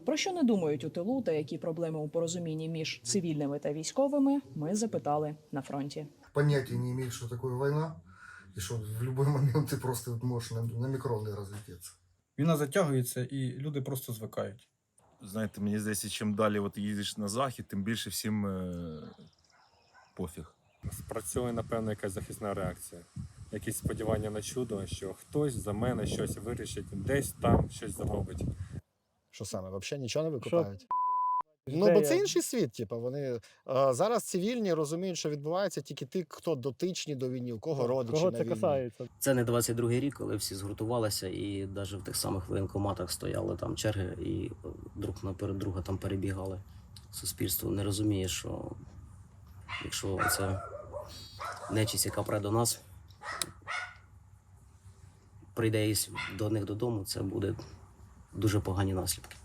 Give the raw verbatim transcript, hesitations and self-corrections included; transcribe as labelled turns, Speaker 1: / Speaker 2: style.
Speaker 1: Про що не думають у тилу та які проблеми у порозумінні між цивільними та військовими, ми запитали на фронті.
Speaker 2: Понятия не имеют, что такое война, и что в любой момент ты просто можешь на, на микроны разлететься.
Speaker 3: Війна затягується і люди просто звикають.
Speaker 4: Знаєте, мені здається, чим далі от їдеш на захід, тим більше всім е пофіг.
Speaker 5: Спрацьовує, напевно, якась захисна реакція. Якісь сподівання на чудо, що хтось за мене щось вирішить, десь там щось зробить.
Speaker 6: Що саме, взагалі нічого не викупають? Ну, бо це інший світ, типу, вони а, зараз цивільні розуміють, що відбувається тільки ті, хто дотичні до війни, у кого родичі
Speaker 7: Кого
Speaker 6: на
Speaker 7: це
Speaker 6: війні.
Speaker 7: касається?
Speaker 8: Це не двадцять другий рік, коли всі згуртувалися і навіть в тих самих воєнкоматах стояли там черги і друг наперед друга там перебігали. Суспільство не розуміє, що якщо це нечисть, яка прийде до нас, прийде до них додому, це буде дуже погані наслідки.